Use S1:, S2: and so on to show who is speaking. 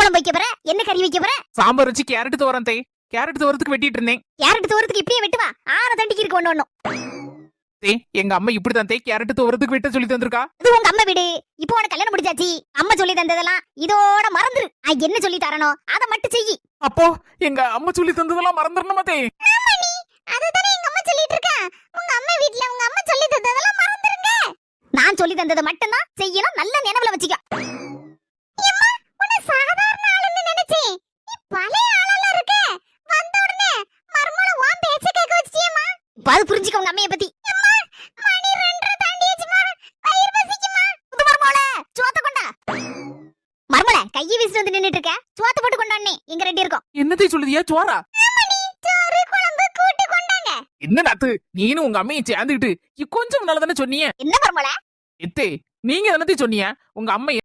S1: குழம்பு வைக்க போற? என்ன கறி வைக்க போற?
S2: சாம்பார் வச்சு கேரட் தோரம் தே. கேரட் தோரத்துக்கு வெட்டிட்டு இருந்தேன்.
S1: கேரட் தோரத்துக்கு இப்படியே வெட்டுவா? ஆற தண்டிக்கு இருக்கு ஒண்ணு.
S2: தே, எங்க அம்மா இப்படிதான் தே கேரட் தோரத்துக்கு வெட்ட சொல்லி தந்திருக்கா.
S1: இது உங்க அம்மா வீடு. இப்போ உனக்கு கல்யாணம் முடிச்சாச்சு. அம்மா சொல்லி தந்ததெல்லாம் இதோட மறந்துரு. என்ன சொல்லி தரனோ அத மட்டும் செய்.
S2: அப்போ எங்க அம்மா சொல்லி தந்ததெல்லாம் மறந்துறணுமா தே?
S1: ஆமாடி, அதுதானே எங்க அம்மா சொல்லிட்டு இருக்கா. உங்க அம்மா வீட்ல உங்க அம்மா சொல்லி தந்ததெல்லாம் மறந்துருங்க. நான் சொல்லி தந்தத மட்டும் தான் செய்யணும். நல்ல நினைவுல வச்சுக்க. அம்மா, உன்னை சாதாரண ஆளுன்னு நினைச்சேன். நீ பழைய ஆளா இருக்க. வந்த உடனே மர்மல வா பேச்ச கேக்க வச்சிட்டியேம்மா. பாது புரிஞ்சிக்க உங்க அம்மைய பத்தி. அம்மா, மணி 2:30 தாண்டியாச்சுமா. வயிறு பசிக்குமா. புது மர்மல, சோத்த கொண்டா. மர்மல, கையை வீசிட்டு வந்து நின்னுட்டு இருக்க. சோத்த போட்டு கொண்டானே. எங்க ரெடி இருக்கோம்.
S2: என்னத்தை சொல்லுதியா? சோறா?
S1: ஆமாடி, சோறு குழம்பு கூட்டு கொண்டாங்க.
S2: என்ன நாத்து, நீனும் உங்க அம்மையை சேர்ந்துக்கிட்டு கொஞ்சம் நல்லதானே சொன்னீங்க.
S1: என்ன மர்மல?
S2: எத்தே, நீங்க என்னத்தை சொன்னீங்க? உங்க அம்மா